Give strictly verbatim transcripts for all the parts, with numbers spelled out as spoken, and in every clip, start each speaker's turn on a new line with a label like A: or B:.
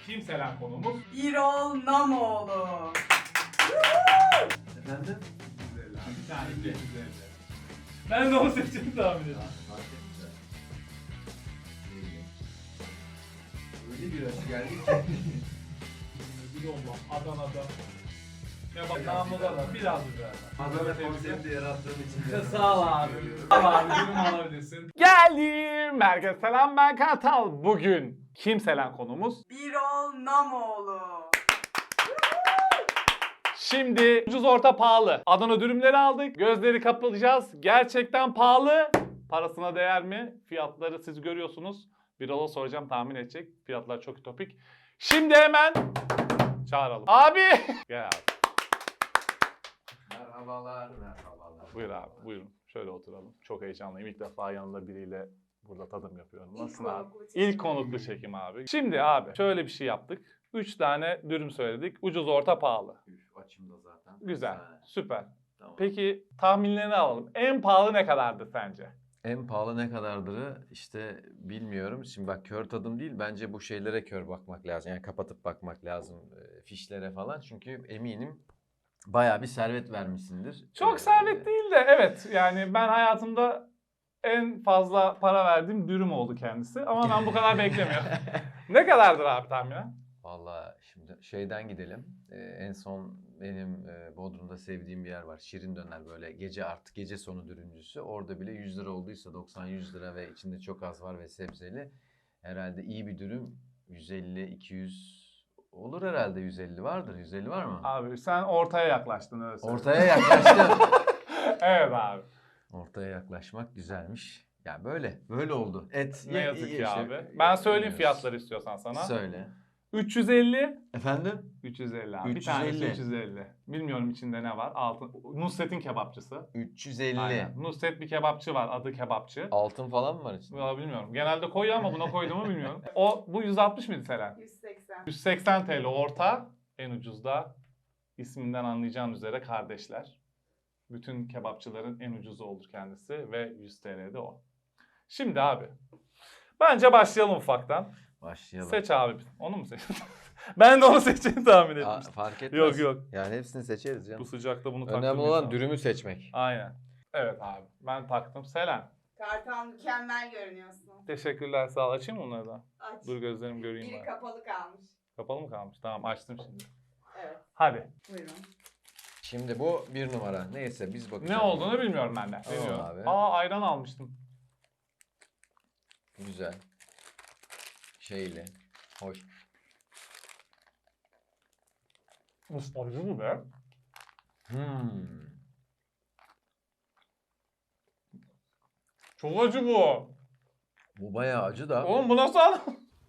A: Kim Selen konumuz?
B: Birol Namoğlu.
C: Efendim?
A: Bir tane de. Ben de onu seçeceğim tahmin ediyorum.
C: Öyle bir acı geldi ki.
A: Bir olma. Adana'da. Ya bak namluda da biraz güzel.
C: Adana konsepti yarattığım için de
A: Sağ ol abi. Sağ ol abi. Yorum alabilirsin. Geldim. Herkese selam, ben Kartal. Bugün Kim Selen konumuz?
B: Birol Namoğlu.
A: Şimdi ucuz orta pahalı. Adana dürümleri aldık. Gözleri kapatacağız. Gerçekten pahalı. Parasına değer mi? Fiyatları siz görüyorsunuz. Birol'a soracağım, tahmin edecek. Fiyatlar çok ütopik. Şimdi hemen çağıralım. Abi! Gel abi.
C: Merhabalar, merhabalar.
A: Buyur abi, buyurun. Şöyle oturalım. Çok heyecanlıyım. İlk defa yanında biriyle burada tadım yapıyorum. Nasılsın
B: İlk
A: abi?
B: konuklu çekim.
A: İlk konuklu çekim abi. Şimdi abi şöyle bir şey yaptık. Üç tane dürüm söyledik. Ucuz, orta, pahalı.
C: Üf, açımda zaten.
A: Güzel,
C: Efsane.
A: süper.
C: Tamam.
A: Peki tahminlerini alalım. En pahalı ne kadardı sence?
D: En pahalı ne kadardır işte bilmiyorum. Şimdi bak kör tadım değil, bence bu şeylere kör bakmak lazım. Yani kapatıp bakmak lazım e, fişlere falan. Çünkü eminim bayağı bir servet vermişsindir.
A: Çok
D: Ee,
A: servet değil de evet, yani ben hayatımda en fazla para verdiğim dürüm oldu kendisi. Ama ben bu kadar beklemiyorum. Ne kadardır abi tahminen?
D: Vallahi şimdi şeyden gidelim. Ee, en son benim e, Bodrum'da sevdiğim bir yer var. Şirin Döner, böyle gece artık gece sonu dürümcüsü. Orada bile yüz lira olduysa doksan yüz lira ve içinde çok az var ve sebzeli. Herhalde iyi bir dürüm yüz elli iki yüz olur herhalde, yüz elli vardır. yüz elli var mı?
A: Abi sen ortaya yaklaştın, öyle söyleyeyim.
D: Ortaya yaklaştım.
A: Evet abi.
D: Ortaya yaklaşmak güzelmiş. Ya böyle, böyle oldu. Et
A: Ne
D: ye-
A: yazık
D: ye-
A: ki
D: işte,
A: abi. Ben söyleyeyim
D: yemiyoruz.
A: fiyatları istiyorsan sana.
D: Söyle.
A: üç yüz elli.
D: Efendim?
A: üç yüz elli abi. Bir
D: üç yüz elli.
A: tanesi üç yüz elli. Bilmiyorum içinde ne var. Altın. Nusret'in kebapçısı.
D: üç yüz elli.
A: Aynen. Nusret bir kebapçı var. Adı kebapçı.
D: Altın falan mı var içinde?
A: Valla bilmiyorum. Genelde koyuyor ama buna koydu mu bilmiyorum. O bu yüz altmış mıydı Selen?
B: yüz seksen.
A: yüz seksen T L orta. En ucuzda isminden anlayacağın üzere kardeşler. Bütün kebapçıların en ucuzu olur kendisi ve yüz T L'de o. Şimdi abi. Bence başlayalım ufaktan.
D: Başlayalım.
A: Seç abi. Onu mu seçtin? Ben de onu seçeceğini tahmin
D: Aa,
A: etmiştim.
D: fark etmez.
A: Yok yok.
D: Yani hepsini seçeriz
A: Bu
D: canım.
A: sıcakta bunu
D: Önemli
A: taktırmayız
D: olan
A: abi.
D: dürümü seçmek.
A: Aynen. Evet abi. Ben taktım. Selen.
B: Kartal mükemmel görünüyorsun.
A: Teşekkürler. Sağ ol. Açayım mı onları da?
B: Aç.
A: Dur gözlerim göreyim
B: Biri
A: ben.
B: kapalı kalmış.
A: Kapalı mı kalmış? Tamam, açtım şimdi.
B: Evet.
A: Hadi.
B: Buyurun.
D: Şimdi bu bir numara. Neyse biz bakacağız.
A: Ne olduğunu bilmiyorum ben de.
D: Tamam
A: Bilmiyorum.
D: abi.
A: Aa, ayran almıştım.
D: Güzel. Şeyli. Hoş.
A: Uf, acı mı be?
D: Hmm.
A: Çok acı bu.
D: Bu bayağı acı da.
A: Oğlum bu nasıl al?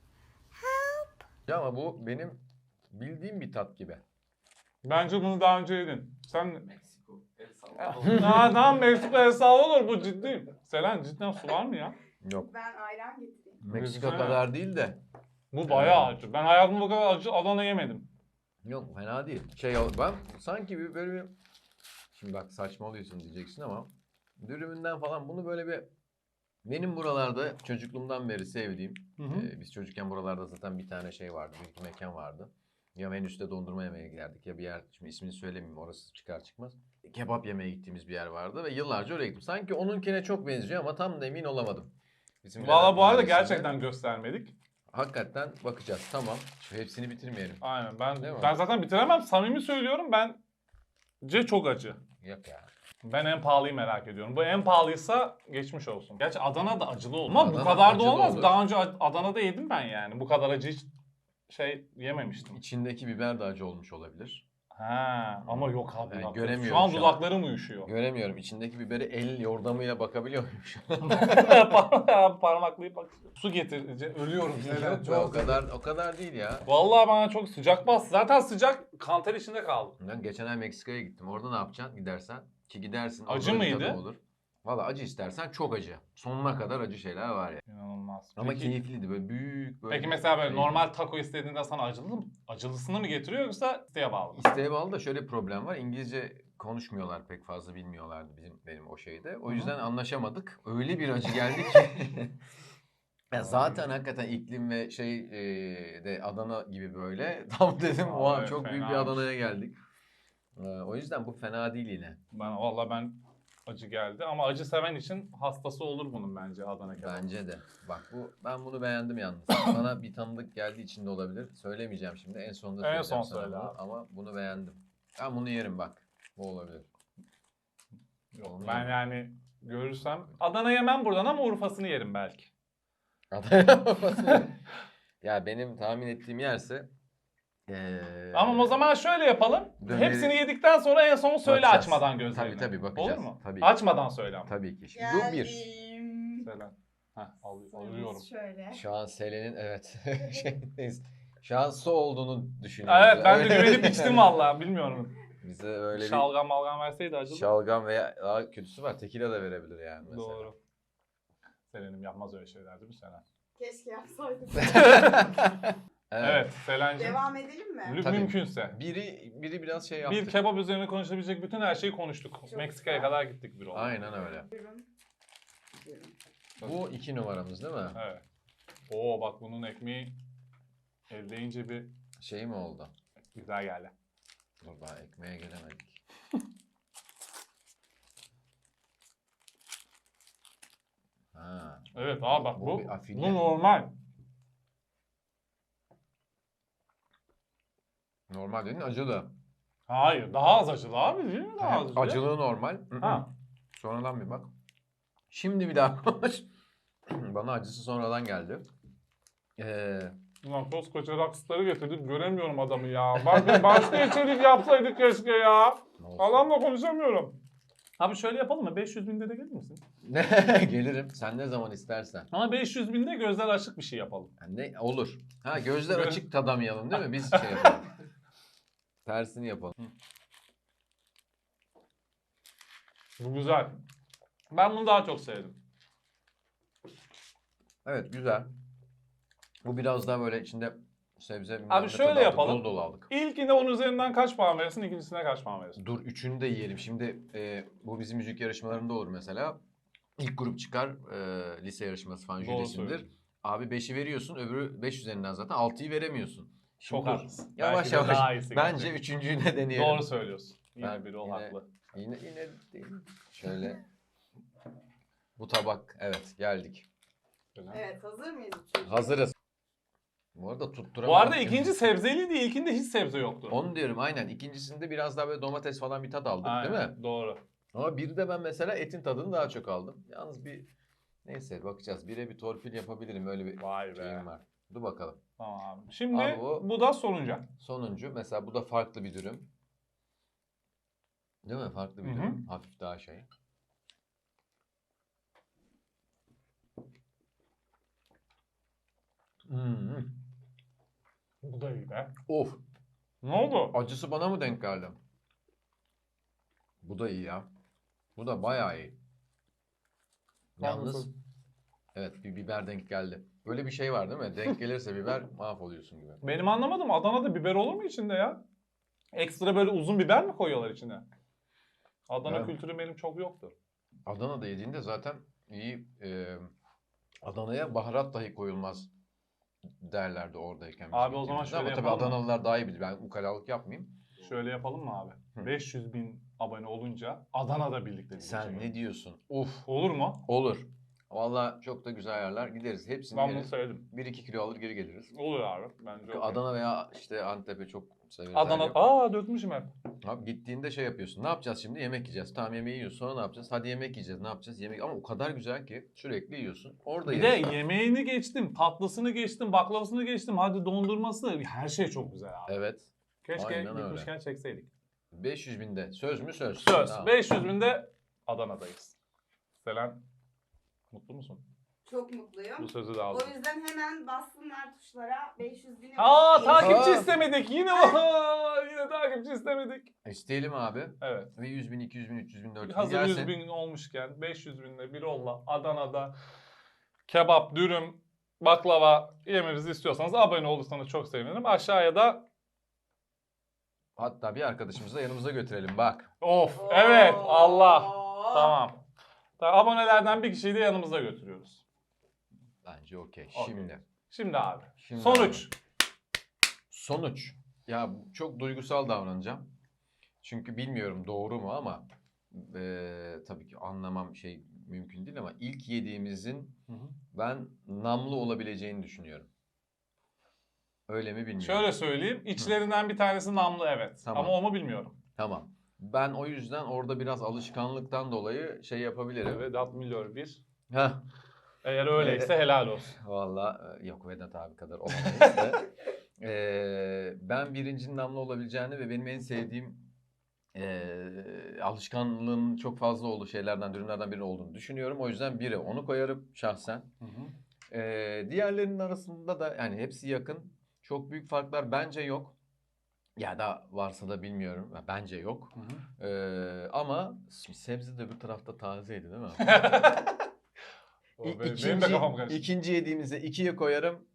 D: Ya ama bu benim bildiğim bir tat gibi.
A: Bence bunu daha önce yedin. Sen...
C: Meksiko. El Salvador.
A: Aa, tamam, Meksika hesabı olur, bu ciddiyim. Selen, cidden su var mı ya?
D: Yok.
B: Ben ayran getireyim.
D: Meksika
A: Güzel.
D: kadar değil de.
A: Bu bayağı acı. Ben hayatımda bu kadar acı Adana yemedim.
D: Yok fena değil. Şey ol- ben sanki bir böyle bir... Şimdi bak saçmalıyorsun diyeceksin ama dürümünden falan bunu böyle bir benim buralarda çocukluğumdan beri sevdiğim,
A: Hı hı.
D: e, biz çocukken buralarda zaten bir tane şey vardı, büyük bir mekan vardı. Ya menüste dondurma yemeye giderdik ya bir yer, şimdi ismini söylemeyeyim orası çıkar çıkmaz. Kebap yemeye gittiğimiz bir yer vardı ve yıllarca oraya gittim. Sanki onunkine çok benziyor ama tam da emin olamadım. Bizim
A: Valla bu arada
D: Mahallesi'nde.
A: gerçekten göstermedik.
D: Hakikaten bakacağız, tamam. Şu hepsini bitirmeyelim.
A: Aynen, ben
D: Değil mi?
A: ben zaten bitiremem. Samimi söylüyorum, bence çok acı.
D: Yok ya.
A: Ben en pahalıyı merak ediyorum. Bu en pahalıysa geçmiş olsun. Gerçi Adana'da acılı olur. Ama bu
D: Adana
A: kadar da
D: acılı
A: olmaz.
D: olur.
A: Daha önce Ad- Adana'da yedim ben yani. Bu kadar acı hiç şey yememiştim.
D: İçindeki biber de acı olmuş olabilir.
A: Ha, ama yok abi.
D: Ben
A: dudaklarım.
D: göremiyorum
A: Şu an
D: şu an.
A: dudaklarım uyuşuyor.
D: Göremiyorum. İçindeki biberi el yordamıyla bakabiliyor muyum şu an?
A: Par- Parmaklayıp bak. Su getir. Ölüyorum. Neden?
D: Yok be, o kadar o kadar değil ya.
A: Vallahi bana çok sıcak bastı. Zaten sıcak, kanter içinde kaldım.
D: Ben geçen ay Meksika'ya gittim. Orada ne yapacaksın gidersen? Ki gidersin.
A: Acı
D: orada bir
A: mıydı?
D: tadım Olur. Valla acı istersen çok acı. Sonuna kadar acı şeyler var ya.
A: İnanılmaz.
D: Ama
A: Peki,
D: keyifliydi böyle büyük böyle.
A: peki mesela böyle
D: şey.
A: normal taco istediğinde sana acılı mı? Acılısını mı getiriyor yoksa isteğe bağlı mı?
D: İsteğe bağlı da şöyle bir problem var. İngilizce konuşmuyorlar, pek fazla bilmiyorlardı bizim benim o şeyde. O
A: Hı hı.
D: yüzden anlaşamadık. Öyle bir acı geldi ki. Ya zaten hakikaten iklim ve şey e, de Adana gibi böyle. Tam dedim
A: Aa,
D: o an
A: evet,
D: çok büyük bir
A: fenaymış.
D: Adana'ya geldik. Ee, o yüzden bu fena değil yine.
A: Ben valla ben acı geldi ama acı seven için hastası olur bunun bence Adana kebabı.
D: Bence de. Bak bu ben bunu beğendim yalnız. Bana bir tanıdık geldiği için de olabilir. Söylemeyeceğim şimdi. En sonunda
A: En
D: söyleyeceğim
A: son
D: sana
A: söyle
D: bunu.
A: abi.
D: Ama bunu beğendim. Ben bunu yerim bak. Bu olabilir.
A: Yok,
D: Onu
A: ben
D: yemem.
A: yani görürsem Adana yemem buradan ama Urfa'sını yerim belki.
D: Ya benim tahmin ettiğim yerse ee,
A: Ama o zaman şöyle yapalım.
D: Döneri-
A: Hepsini yedikten sonra en son söyle
D: Bakacağız.
A: açmadan gözlerini.
D: Tabii, tabii, bakacağız.
A: Olur mu?
D: Tabii.
A: Açmadan söyle ama.
D: tabii ki. Şimdi bu bir.
B: Geldim.
A: Söyle. Heh, al, alıyorum.
B: Şöyle.
D: Şu an Selen'in evet şeydeyiz. Şanslı olduğunu düşünüyoruz.
A: Evet ben de
D: Öyle-
A: güvenip içtim valla bilmiyorum.
D: Bize öyle bir
A: Şalgam malgam verseydi acılı.
D: şalgam veya daha kötüsü var. Tekila da verebilir yani mesela.
A: Doğru. Selen'im yapmaz öyle şeyler değil mi Selen?
B: Keşke yapsaydım.
D: Evet.
A: Evet Selen'cim.
B: Devam edelim mi?
A: Mü-
D: Tabii.
A: Mümkünse.
D: Biri biri biraz şey yaptı.
A: Bir kebap üzerine konuşabilecek bütün her şeyi konuştuk.
B: Çok
A: Meksika'ya
B: güzel.
A: kadar gittik bir oldu.
D: Aynen öyle.
B: Buyurun. Buyurun.
D: Bu iki numaramız değil mi?
A: Evet. Oo bak bunun ekmeği elleyince bir
D: Şey mi oldu?
A: güzel geldi.
D: Dur daha ekmeğe gelemedik. Ha.
A: Evet abi bak
D: Bu
A: bu,
D: bir afilye.
A: bu normal.
D: Normal dedin acılı.
A: Hayır daha az acılı abi değil mi? Daha az acılı.
D: Acılığı normal.
A: Ha.
D: Sonradan bir bak. Şimdi bir daha konuş. Bana acısı sonradan geldi. Ee,
A: Ulan koskoca rockstar'ı getirdik göremiyorum adamı ya. Bakın başka içerik yapsaydık keşke ya.
D: ne olsun?
A: Adamla konuşamıyorum. Abi şöyle yapalım mı? beş yüz binde de gelir misin?
D: Gelirim. Sen ne zaman istersen.
A: Ama beş yüz binde gözler açık bir şey yapalım.
D: Yani ne olur. Ha gözler
A: Gö-
D: açık tadamayalım değil mi? Biz şey yapalım. Tersini yapalım.
A: Bu güzel. Ben bunu daha çok sevdim.
D: Evet güzel. Bu biraz daha böyle içinde sebze bilmem
A: Abi
D: ne
A: şöyle
D: tadı aldık,
A: yapalım.
D: Dolu dolu aldık.
A: İlkine on üzerinden kaç puan verirsin? İkincisine kaç puan verirsin?
D: Dur üçünü de yiyelim. Şimdi e, bu bizim müzik yarışmalarında olur mesela. İlk grup çıkar e, lise yarışması falan
A: Doğru
D: jürisindir.
A: söylüyorsun.
D: Abi beşi veriyorsun öbürü beş üzerinden zaten altıyı veremiyorsun. Şimdi
A: Çok
D: dur.
A: haklısın.
D: Yavaş
A: Belki de
D: yavaş.
A: daha iyisi
D: Bence
A: gelecek.
D: üçüncüyü de deneyelim.
A: Doğru söylüyorsun. Yine
D: Ben
A: biri ol
D: yine-
A: haklı.
D: Yine yine değil. Şöyle. Bu tabak evet geldik.
B: Evet hazır mıyız? üçüncü?
D: Hazırız. Bu arada tutturamadım.
A: Bu arada ikinci sebzeliydi. İlkinde hiç sebze yoktu.
D: Onu diyorum aynen. İkincisinde biraz daha böyle domates falan bir tat aldık
A: Aynen,
D: değil mi?
A: Doğru.
D: Ama bir de ben mesela etin tadını daha çok aldım. Yalnız bir neyse bakacağız. Bire bir torpil yapabilirim. Öyle bir
A: Vay be.
D: şeyim var. Dur bakalım.
A: Tamam abi. Şimdi
D: Abi bu-
A: bu da sonuncu.
D: Sonuncu mesela bu da farklı bir dürüm. Değil mi? Farklı bir
A: Hı hı.
D: dürüm. Hafif daha şey. Hmm.
A: Bu da iyi be.
D: Of.
A: Ne oldu?
D: Acısı bana mı denk geldi? Bu da iyi ya. Bu da bayağı iyi. Yalnız
A: Haklısın.
D: evet bir biber denk geldi. Böyle bir şey var değil mi? Denk gelirse biber mahvoluyorsun gibi.
A: Benim anlamadım. Adana'da biber olur mu içinde ya? Ekstra böyle uzun biber mi koyuyorlar içine? Adana
D: Evet.
A: kültürü benim çok yoktur.
D: Adana'da yediğinde zaten iyi e, Adana'ya baharat dahi koyulmaz derlerdi oradayken. biz
A: Abi o zaman
D: gittiğimizde.
A: şöyle
D: Ama tabii
A: yapalım mı?
D: Adanalılar daha iyi bilir. Ben ukalalık yapmayayım.
A: Şöyle yapalım mı abi?
D: Hı.
A: beş yüz bin abone olunca Adana'da birlikte bir
D: Sen
A: şey
D: ne diyorsun? Uf
A: olur mu?
D: olur. Valla çok da güzel yerler. Gideriz. Hepsini
A: Ben bunu
D: yeriz.
A: sevdim.
D: bir iki kilo alır geri geliriz.
A: Olur abi. Bence okey.
D: Adana veya işte Antep'e çok severiz.
A: Adana.
D: her yer.
A: Aa dökmüşüm hep.
D: Abi gittiğinde şey yapıyorsun. Ne yapacağız şimdi? Yemek yiyeceğiz. Tamam yemeği yiyoruz. Sonra ne yapacağız? Hadi yemek yiyeceğiz. Ne yapacağız? Yemek ama o kadar güzel ki sürekli yiyorsun. Orada
A: Bir de
D: yeriz.
A: yemeğini geçtim, tatlısını geçtim, baklavasını geçtim. Hadi dondurması. Her şey çok güzel abi.
D: Evet.
A: Keşke
D: aynen öyle.
A: gitmişken çekseydik.
D: beş yüz binde. Söz mü söz?
A: Söz.
D: Tamam.
A: beş yüz binde Adana'dayız. Selen, mutlu musun?
B: Çok mutluyum.
A: Bu sözü de
B: O
A: aldım.
B: yüzden hemen bassınlar tuşlara beş yüz bine.
A: Aa
B: Beş-
A: takipçi
D: Aa.
A: istemedik. Yine Aa, yine takipçi istemedik.
D: İsteyelim abi.
A: Evet.
D: Ve yüz bin, iki yüz bin, üç yüz bin, dört yüz bin
A: Hazır
D: gelsin.
A: yüz bin olmuşken beş yüz binle bir olla Adana'da kebap, dürüm, baklava yememizi istiyorsanız abone olursanız çok sevinirim. Aşağıya da
D: Hatta bir arkadaşımızı da yanımıza götürelim bak.
A: of evet Allah.
B: Oo.
A: Tamam. Tamam. Abonelerden bir kişiyi de yanımıza götürüyoruz.
D: Bence okey.
A: Okey.
D: Şimdi.
A: Şimdi abi.
D: Şimdi
A: Sonuç.
D: abi. Sonuç. Ya çok duygusal davranacağım. Çünkü bilmiyorum doğru mu ama eee, tabii ki anlamam şey mümkün değil ama ilk yediğimizin
A: Hı hı.
D: ben namlu olabileceğini düşünüyorum. Öyle mi bilmiyorum.
A: Şöyle söyleyeyim. İçlerinden bir tanesi namlu evet.
D: Tamam.
A: Ama o mu bilmiyorum.
D: Tamam. Ben o yüzden orada biraz alışkanlıktan dolayı şey yapabilirim.
A: Vedat Milor bir.
D: Heh.
A: Eğer öyleyse helal olsun.
D: Valla e, yok Vedat abi kadar olamayız da. Eee, ben birincinin namlu olabileceğini ve benim en sevdiğim eee alışkanlığın çok fazla olduğu şeylerden, ürünlerden biri olduğunu düşünüyorum. O yüzden biri onu koyarım şahsen.
A: Hı hı.
D: Eee diğerlerinin arasında da yani hepsi yakın. Çok büyük farklar bence yok. Ya da varsa da bilmiyorum. Ya bence yok.
A: Hı hı.
D: Eee, ama sebze de bir tarafta tazeydi değil mi?
A: O
D: İ-
A: benim, benim
D: ikinci,
A: de kafam karıştı.
D: ikinci yediğimizde ikiye koyarım.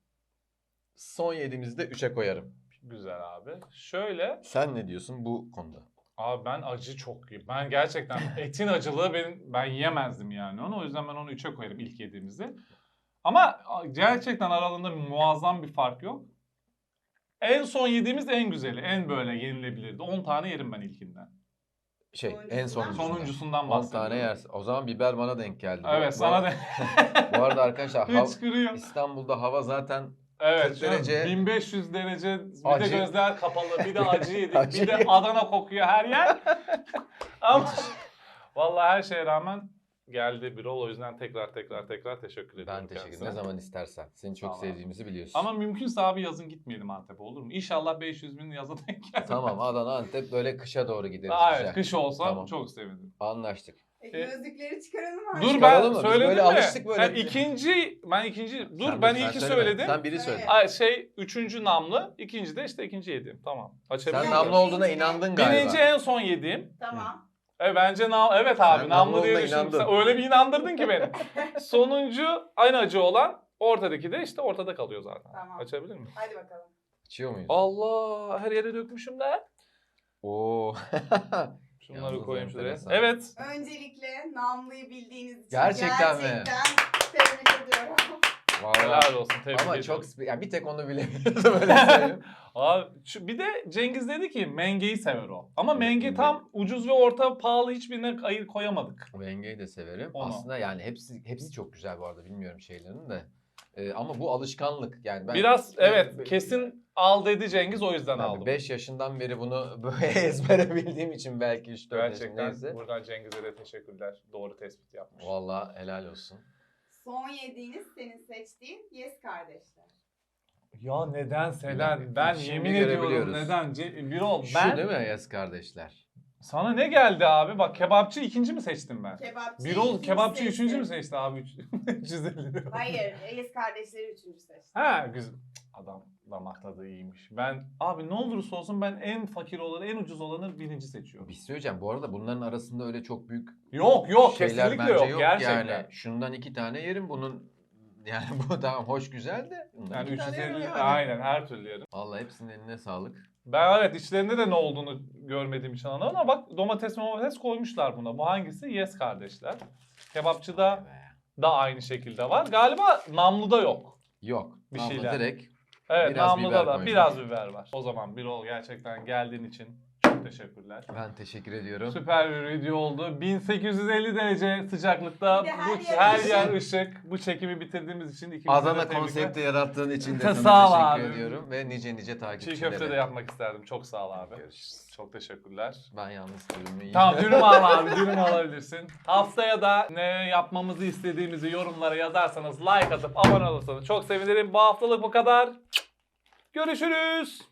D: Son yediğimizde üçe koyarım.
A: Güzel abi. Şöyle.
D: Sen ne diyorsun bu konuda?
A: Abi ben acı çok iyi. Ben gerçekten etin acılığı benim, ben yiyemezdim yani onu. O yüzden ben onu üçe koyarım ilk yediğimizde. Ama gerçekten aralarında muazzam bir fark yok. En son yediğimiz en güzeli. En böyle yenilebilirdi. on tane yerim ben ilkinden.
D: Şey
B: Sonuncusundan
D: en
B: mı?
D: sonuncusundan.
A: Sonuncusundan
D: on
A: bahsediyorum.
D: tane yersin. O zaman biber bana denk geldi. Bu-
A: Evet
D: bu,
A: sana da
D: Bu arada arkadaşlar hav-
A: hıçkırıyor.
D: İstanbul'da hava zaten
A: Evet
D: kırk
A: canım,
D: derece
A: bin beş yüz derece bir
D: acı.
A: de gözler kapalı bir de acı yedik
D: Acı
A: bir de
D: yedik.
A: Adana kokuyor her yer. Ama vallahi her şeye rağmen geldi Birol o yüzden tekrar tekrar tekrar teşekkür ediyorum
D: ben teşekkür ederim.
A: kendisine.
D: Ne zaman istersen. Seni çok
A: Sağ ol abi.
D: sevdiğimizi biliyorsun.
A: Ama mümkünse abi yazın gitmeyelim Antep'e olur mu? İnşallah beş yüz bin yaza denk gelir.
D: Tamam Adana Antep böyle kışa doğru gideriz.
A: Aa, evet
D: güzel.
A: kış olsa
D: Tamam.
A: çok sevinirim.
D: Anlaştık.
B: E,
A: E,
B: gözlükleri çıkaralım artık.
A: Dur
D: Çıkaralım
A: ben
D: mı? Biz
A: söyledim
D: böyle
A: mi?
D: alıştık böyle.
A: Ha, ikinci ben ikinci dur
D: Sen
A: ben
D: dur, sen
A: ilki
D: söyleme.
A: söyledim.
D: Sen biri söyle.
B: Evet.
A: Ay, şey üçüncü namlı, ikinci de işte ikinci yediğim. Tamam. Açabilir
D: Sen
A: miyim?
D: namlu olduğuna inandın galiba.
A: Birinci en son yediğim.
B: Tamam.
A: E bence nam evet abi
D: Sen
A: namlu
D: namlu
A: diye
D: olduğuna
A: düşündüm.
D: inandın.
A: Sen öyle bir inandırdın ki beni. Sonuncu aynı acı olan ortadaki de işte ortada kalıyor zaten.
B: Tamam.
A: Açabilir miyim?
B: Hadi bakalım.
D: İçiyor muyuz?
A: Allah her yere dökmüşüm de.
D: Oo.
A: Şunları
D: Yalnız
A: koyayım şuraya.
D: enteresan.
A: Evet.
B: Öncelikle namlıyı bildiğiniz için
D: Gerçekten mi?
B: gerçekten tebrik ediyorum.
D: Vallahi.
A: Helal olsun. Tebrik
D: Ama
A: ediyorum.
D: çok spe- ya bir tek onu bilemiyorum öyle söyleyeyim.
A: Abi, şu, bir de Cengiz dedi ki mengeyi sever o. Ama
D: Evet,
A: menge
D: menge.
A: tam ucuz ve orta pahalı hiçbirine ayır koyamadık.
D: Venge'yi de severim.
A: Onu.
D: Aslında yani hepsi hepsi çok güzel bu arada bilmiyorum şeylerin de. Ee, ama bu alışkanlık yani ben
A: Biraz evet
D: ben-
A: kesin al dedi Cengiz o yüzden aldım.
D: beş yaşından beri bunu böyle ezbere bildiğim için belki üç dört
A: Gerçekten
D: yaşındaysa.
A: buradan Cengiz'e de teşekkürler. Doğru tespit yapmış.
D: Vallahi helal olsun.
B: Son yediğiniz senin seçtiğin Yes kardeşler.
A: Ya neden
D: Bir
A: Selen?
D: dakika,
A: Ben
D: şimdi
A: yemin ediyorum
D: görebiliyoruz.
A: neden? Ce- Birol
D: Şu
A: ben
D: değil mi Yaz kardeşler?
A: sana ne geldi abi? Bak kebapçı ikinci mi seçtim ben?
B: Kebapçı
A: Birol
B: ikinci
A: kebapçı
B: seçti.
A: üçüncü mü seçti abi? üç yüz elli lira.
B: Hayır, Yes kardeşleri üçüncü seçti.
A: Ha güzel. Adam damak tadı iyiymiş. Ben abi ne olursa olsun ben en fakir olanı, en ucuz olanı birinci seçiyorum.
D: Bir şey söyleyeceğim. Bu arada bunların arasında öyle çok büyük
A: Yok yok
D: şeyler
A: kesinlikle
D: bence
A: yok,
D: yok.
A: gerçekten.
D: Yani şundan iki tane yerim bunun yani bu tamam hoş güzel de. bundan
A: Yani
D: iki tane yerim
A: üç yüz elli
D: yani.
A: aynen her türlü yerim.
D: Vallahi hepsinin eline sağlık.
A: Ben evet içlerinde de ne olduğunu görmediğim için anlamadım ama bak domates domates koymuşlar buna. Bu hangisi? Yes kardeşler. Kebapçıda
D: Vay be.
A: da aynı şekilde var. Galiba namluda yok.
D: Yok.
A: Bir
D: Namlu
A: şeyler.
D: direkt.
A: Evet
D: Biraz
A: namluda
D: biber
A: da
D: koymuş.
A: biraz biber var. O zaman Birol gerçekten geldiğin için çok teşekkürler.
D: Ben teşekkür ediyorum.
A: Süper bir video oldu. bin sekiz yüz elli derece sıcaklıkta
B: Bir de
A: bu
B: her yer
A: her
B: ışık.
A: yer ışık. Bu çekimi bitirdiğimiz için ikimize de
D: Adana
A: tebrikler.
D: konsepti yarattığın için de
A: Sağ
D: sana
A: ol
D: teşekkür
A: abi.
D: ediyorum. Ve nice nice
A: Çiğ
D: takipçilere.
A: köfte de yapmak isterdim. Çok sağ ol abi.
D: Görüşürüz.
A: Çok teşekkürler.
D: Ben yalnız dürümü yiyeyim.
A: Tamam dürüm al abi dürüm alabilirsin. Haftaya da ne yapmamızı istediğimizi yorumlara yazarsanız like atıp abone olursanız çok sevinirim. Bu haftalık bu kadar. Görüşürüz.